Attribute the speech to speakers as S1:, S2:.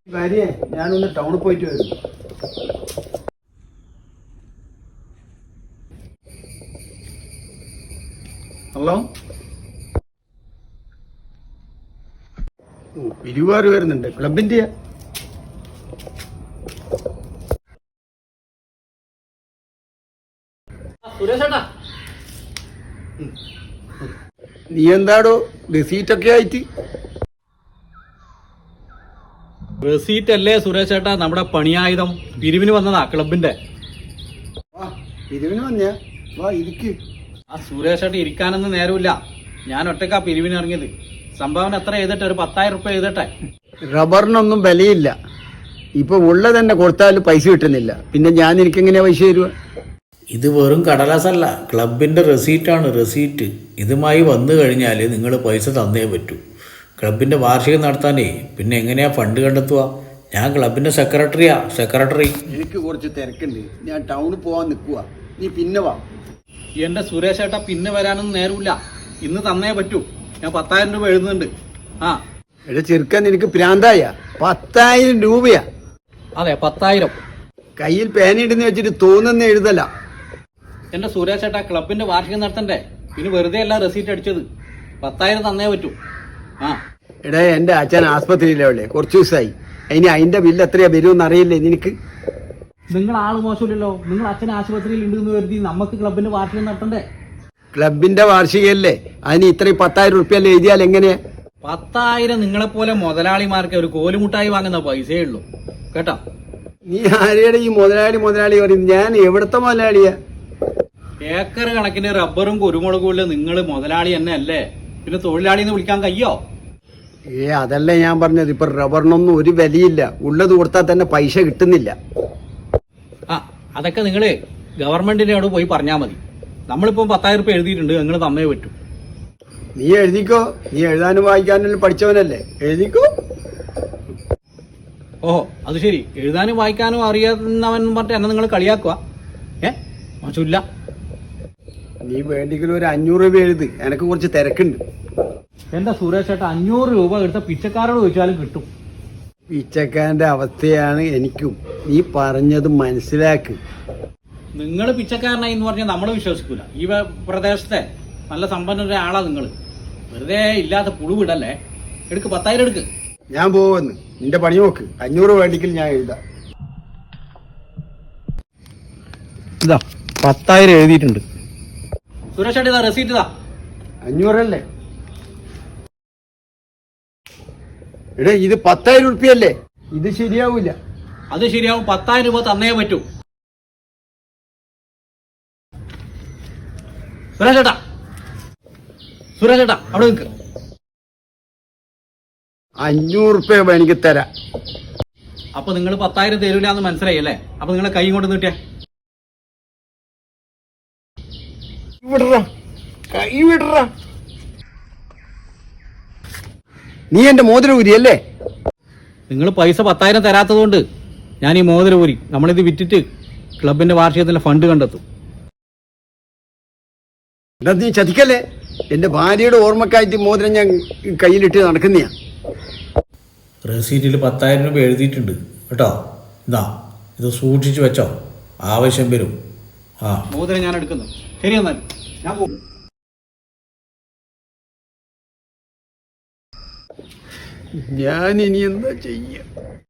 S1: ഭാര്യയെ ഞാനൊന്ന് ടൗണിൽ പോയിട്ട് വരുന്നു. ഹലോ, പിരിവാറ് വരുന്നുണ്ട് ക്ലബിന്റെ. നീ എന്താടോ റെസീറ്റൊക്കെ ആയിട്ട്?
S2: റെസീറ്റ് അല്ലേ സുരേഷ് ചേട്ടാ, നമ്മുടെ പണിയായുധം പിരിവിന് വന്നതാ ക്ലബിന്റെ.
S1: പിരിവിന് വന്നയാ? വാ ഇരിക്ക്.
S2: ആ സുരേഷ് ചേട്ടാ ഇരിക്കാനൊന്നും നേരമില്ല, ഞാൻ ഒറ്റക്കാ പിരിവിന് ഇറങ്ങിയത്. സംഭാവന എത്ര എഴുതട്ടെ? ഒരു 10,000 റുപ്യ എഴുതട്ടെ.
S1: റബ്ബറിനൊന്നും വിലയില്ല, ഇപ്പൊ ഉള്ളത് തന്നെ കൊടുത്താലും പൈസ കിട്ടുന്നില്ല, പിന്നെ ഞാൻ എനിക്കെങ്ങനെയാ പൈസ തരുക?
S3: ഇത് വെറും കടലാസല്ല, ക്ലബിൻ്റെ റെസീറ്റാണ്, റെസീറ്റ്. ഇതുമായി വന്നു കഴിഞ്ഞാൽ നിങ്ങൾ പൈസ തന്നേ പറ്റൂ. ക്ലബിൻ്റെ വാർഷികം നടത്താനേ പിന്നെ എങ്ങനെയാ ഫണ്ട് കണ്ടെത്തുക? ഞാൻ ക്ലബിൻ്റെ സെക്രട്ടറി.
S1: എനിക്ക് കുറച്ച് തിരക്കുണ്ട്, ഞാൻ ടൗണിൽ പോവാൻ നിൽക്കുക, നീ പിന്നെ വാ.
S2: എന്റെ സുരേഷ് ചേട്ടാ പിന്നെ വരാനൊന്നും നേരമില്ല, ഇന്ന് തന്നേ പറ്റൂ. ഞാൻ 10,000 രൂപ എഴുതുന്നുണ്ട്. ആ
S1: എടാ ചെറുക്കാൻ എനിക്ക് പ്രാന്തായ? 10,000 രൂപയാ?
S2: അതെ 10,000.
S1: കയ്യിൽ പേനയിടുന്ന് വെച്ചിട്ട് തോന്നുന്ന എഴുതല.
S2: എന്റെ സുരേഷ് ചേട്ടാ ക്ലബിന്റെ വാർഷികം നടത്തണ്ടേ, പിന്നെ വെറുതെ അല്ല റെസീറ്റ് അടിച്ചത്. 10,000 തന്നേ പറ്റൂ. ആ
S1: എടാ എന്റെ അച്ഛൻ ആസ്പത്രിയിലെ കുറച്ച് ദിവസമായി, അതിന്റെ ബില്ല് എത്രയാ വരുമെന്ന് അറിയില്ലേ നിനക്ക്?
S2: നിങ്ങൾ ആള് മോശമില്ലല്ലോ, നിങ്ങൾ അച്ഛൻ ആശുപത്രിയിൽ ഉണ്ടെന്ന് കരുതി നമുക്ക് ക്ലബിന്റെ വാർഷികം നടത്തണ്ടേ?
S1: ക്ലബിന്റെ വാർഷികയല്ലേ, അതിന് ഇത്രയും 10,000 റുപ്യ എഴുതിയാൽ എങ്ങനെയാ?
S2: 10,000 നിങ്ങളെപ്പോലെ മുതലാളിമാർക്ക് ഒരു കോലുമുട്ടായി വാങ്ങുന്ന പൈസയേ ഉള്ളൂ കേട്ടോ.
S1: നീ ആരെയുടെ ഈ മുതലാളി പറയും? ഞാൻ എവിടത്തെ മുതലാളിയാ?
S2: ഏക്കർ കണക്കിന് റബ്ബറും കുരുമുളകും ഉള്ള നിങ്ങൾ മുതലാളി തന്നെ അല്ലേ, പിന്നെ തൊഴിലാളി എന്ന് വിളിക്കാൻ കഴിയോ?
S1: അതല്ല ഞാൻ പറഞ്ഞത്, ഇപ്പൊ റബ്ബറിനൊന്നും ഒരു വിലയില്ല, ഉള്ളത് കൊടുത്താൽ തന്നെ പൈസ കിട്ടുന്നില്ല.
S2: ആ അതൊക്കെ നിങ്ങള് ഗവൺമെന്റിന്റെ അവിടെ പോയി പറഞ്ഞാൽ മതി. നമ്മളിപ്പം 10,000 റുപ്യ എഴുതിയിട്ടുണ്ട്, നിങ്ങൾ തന്നേ പറ്റൂ.
S1: നീ എഴുതിക്കോ, നീ എഴുതാനും വായിക്കാനും പഠിച്ചവനല്ലേ, എഴുതിക്കോ.
S2: ഓഹോ അത് ശരി, എഴുതാനും വായിക്കാനും അറിയാവുന്നവൻ പറഞ്ഞിട്ട് എന്നെ നിങ്ങൾ കളിയാക്കുക? മോശമില്ല.
S1: നീ വേണ്ടെങ്കിലും ഒരു 500 രൂപ എഴുത്, എനക്ക് കുറച്ച് തിരക്കുണ്ട്.
S2: എന്റെ സുരേഷ് ചേട്ടാ 500 രൂപ എടുത്ത പിച്ചക്കാരോട് ചോദിച്ചാലും കിട്ടും.
S1: പിച്ചക്കാരന്റെ അവസ്ഥയാണ് എനിക്കും, നീ പറഞ്ഞത് മനസ്സിലാക്ക്.
S2: നിങ്ങൾ പിച്ചക്കാരനായി എന്ന് പറഞ്ഞാൽ നമ്മൾ വിശ്വസിക്കൂല. ഈ പ്രദേശത്തെ നല്ല സമ്പന്നരുടെ ആളാ നിങ്ങൾ, വെറുതെ ഇല്ലാത്ത പുഴുവിടല്ലേ. എടുക്ക് 10,000 എടുക്ക്.
S1: ഞാൻ പോവെന്ന്, നിന്റെ പണി നോക്ക്. 500 വേണ്ടെങ്കിൽ ഞാൻ എഴുതാം.
S2: ഇതാ 10,000 എഴുതിയിട്ടുണ്ട്. സുരേഷ് ചേട്ടാ ഇതാ റെസീറ്റ് ഇതാ.
S1: 500 അല്ലേ? എടാ ഇത് 10,000 റുപ്യല്ലേ, ഇത് ശരിയാവൂല.
S2: അത് ശരിയാവും, 10,000 രൂപ തന്നേ പറ്റൂ. സുരേഷ് ചേട്ടാ അവിടെ നിൽക്ക്.
S1: 500 റുപ്യ എനിക്ക് തരാം.
S2: അപ്പൊ നിങ്ങൾ 10,000 തരൂല എന്ന് മനസ്സിലായി അല്ലേ? അപ്പൊ നിങ്ങളെ കൈ കൊണ്ട് നീട്ടിയ
S1: കൈ വിടറ. നീ എന്റെ മോതിരം ഊരിയല്ലേ?
S2: നിങ്ങൾ പൈസ 10,000 തരാത്തത് കൊണ്ട് ഞാൻ ഈ മോതിരം ഊരി. നമ്മളിത് വിറ്റിട്ട് ക്ലബിന്റെ വാർഷികത്തിന്റെ ഫണ്ട് കണ്ടെത്തും.
S1: എന്താ നീ ചതിക്കല്ലേ? എന്റെ ഭാര്യയുടെ ഓർമ്മക്കായിട്ട് മോതിരം ഞാൻ കയ്യിലിട്ട് നടക്കുന്നയാ.
S3: റെസീറ്റിൽ 10,000 രൂപ എഴുതിയിട്ടുണ്ട് കേട്ടോ. ഇതാ ഇത് സൂക്ഷിച്ചു വെച്ചോ, ആവശ്യം വരും. ആ
S2: മോതിരം ഞാൻ എടുക്കുന്നു. ശരി എന്നാൽ ഞാൻ പോകും.
S1: ഞാൻ ഇനി എന്താ ചെയ്യ?